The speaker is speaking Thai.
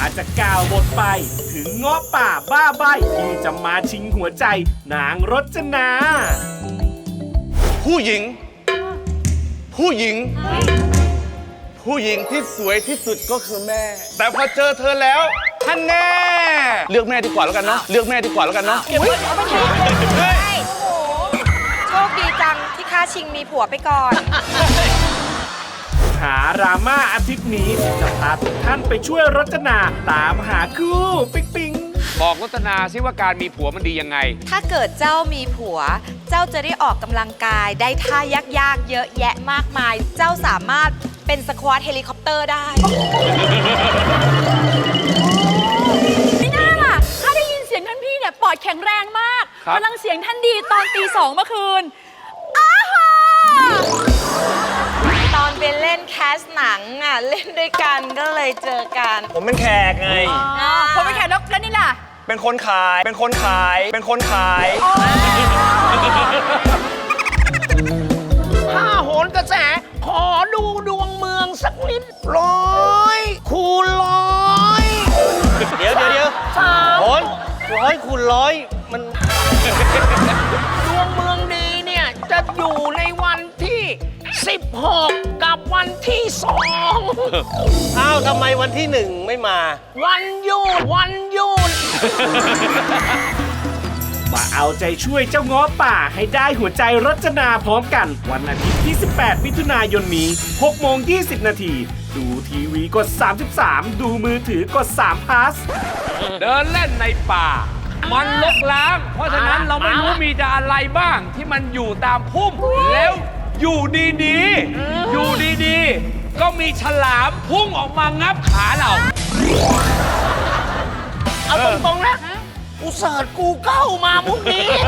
จะกล่าวบทไป ถึงเงาะป่าบ้าใบที่จะมาชิงหัวใจนางรจนาผู้หญิง ผู้หญิง ผู้หญิงที่สวยที่สุดก็คือแม่ แต่พอเจอเธอแล้วท่านแน่เลือกแม่ดีกว่าแล้วกันเนาะเลือกแม่ดีกว่าแล้วกันเนาะโชคดีจังที่ข้าชิงมีผัวไปก่อนหาราม่าอาทิตย์นี้จะพาทุกท่านไปช่วยรจนาตามหาคู่ปิ๊งปิ๊งบอกรัตนาซิว่าการมีผัวมันดียังไงถ้าเกิดเจ้ามีผัว เจ้าจะได้ออกกำลังกายได้ท่ายากๆเยอะแยะมากมาย เจ้าสามารถเป็นสควอตเฮลิคอปเตอร์ได้ไม่น่าล่ะข้าได้ยินเสียงท่านพี่เนี่ยปอดแข็งแรงมากครับกำลังเสียงท่านดีตอนตี 2เมื่อคืนอ้าฮาตอนไปเล่นแคสหนังอ่ะ เล่นด้วยกันก็เลยเจอกันผมเป็นแขกไงผมไปแข่งแล้วนี่ล่ะเป็นคนขาย เป็นคนขาย เป็นคนขายถ้าโหนกระแสขอดูดวงเมืองสักนิด100 คูณ 100 เดี๋ยวโหน100 คูณ 100 มันดวงเมืองดีเนี่ย จะอยู่ในวันที่ 16 กับวันที่ 2 อ้าวทำไมวันที่ 1 ไม่มาวันหยุดมาเอาใจช่วยเจ้าเงาะป่าให้ได้หัวใจรจนาพร้อมกัน วันอาทิตย์ที่ 18 มิถุนายนนี้6 โมง 20 นาที ดูทีวีกด 33 ดูมือถือกด3 plus เดินเล่นในป่า มันลกล้าง เพราะฉะนั้นเราไม่รู้มีจะอะไรบ้างที่มันอยู่ตามพุ่ม แล้วอยู่ดีๆ ก็มีฉลามพุ่งออกมางับขาเราเอาตรงๆนะกูเสิร์ชกูเก้ามามุกนี้